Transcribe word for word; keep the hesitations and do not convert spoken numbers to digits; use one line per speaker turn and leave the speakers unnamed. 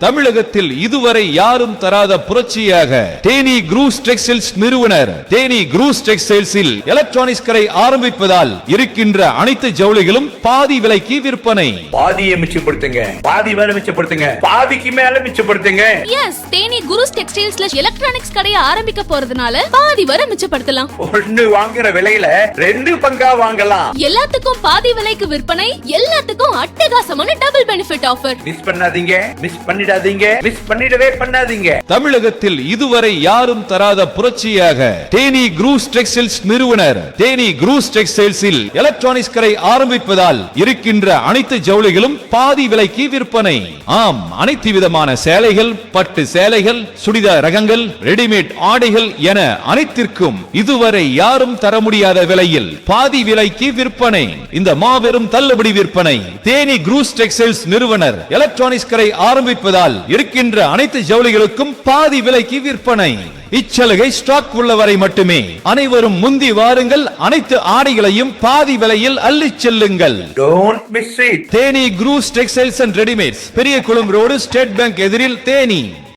தமிழகத்தில் இதுவரை யாரும் தராத புரட்சியாக தேனி குரூஸ் டெக்ஸ்டைல்ஸ் நிறுவனர் தேனி குரூஸ் டெக்ஸ்டைல்ஸில் எலக்ட்ரானிக்ஸ் கடை ஆரம்பிப்பதால் இருக்கின்ற அனைத்து ஜவுளிகளும் பாதி விலைக்கு விற்பனை.
பாதியை மிச்சப்படுத்துங்க, பாதி மேல மிச்சப்படுத்துங்க, பாதிக்கு மேல மிச்சப்படுத்துங்க.
எஸ், தேனி குரூஸ் டெக்ஸ்டைல்ஸ்ல எலக்ட்ரானிக்ஸ் கடையை ஆரம்பிக்க போறதுனால பாதி வரை மிச்சப்படுத்தலாம்.
ஒன்னு வாங்குற விலையில ரெண்டு பங்கா வாங்கலாம்.
எல்லாத்துக்கும் பாதி விலைக்கு விற்பனை, எல்லாத்துக்கும் அட்டகாசமான டபுள் பெனிஃபிட் ஆஃபர்.
மிஸ் பண்ணாதீங்க, மிஸ் பண்ணிடாதீங்க, மிஸ் பண்ணிடவே பண்ணாதீங்க.
தமிழகத்தில் இதுவரை யாரும் தராத புரட்சியாக தேனி குரூஸ் டெக்ஸ்டைல்ஸ் நிறுவனர் தேனி குரூஸ் டெக்ஸ்டைல்ஸில் எலக்ட்ரானிக்ஸ் கடை ஆரம்பிப்பதால் இருக்கின்ற அனைத்து ஜவுளிகளும் பாதி விலைக்கு விற்பனை. ஆம், அனைத்து விதமான சேலைகள், பட்டு சேலைகள், சுடிதார் ரகங்கள், ரெடிமேட் ஆடைகள் என அனைத்திற்கும் இதுவரை யாரும் தர முடியாத விலையில் பாதி விலைக்கு விற்பனை. இந்த மாபெரும் தள்ளுபடி விற்பனை தேனி குரூஸ் டெக்ஸ்டைல்ஸ் நிறுவனர் எலக்ட்ரானிக்ஸ் கடை ஆரம்பிப்பதால் இருக்கின்ற அனைத்து ஜவுளிகளுக்கும் பாதி விலைக்கு விற்பனை. இச்சலுகை ஸ்டாக் உள்ளவரை மட்டுமே. அனைவரும் முந்தி வாருங்கள், அனைத்து ஆடைகளையும் பாதி விலையில் அள்ளிச் செல்லுங்கள்.
Don't miss it.
Theni Cruz textiles and readymades, Periyakulam road, state bank எதிரில், தேனி.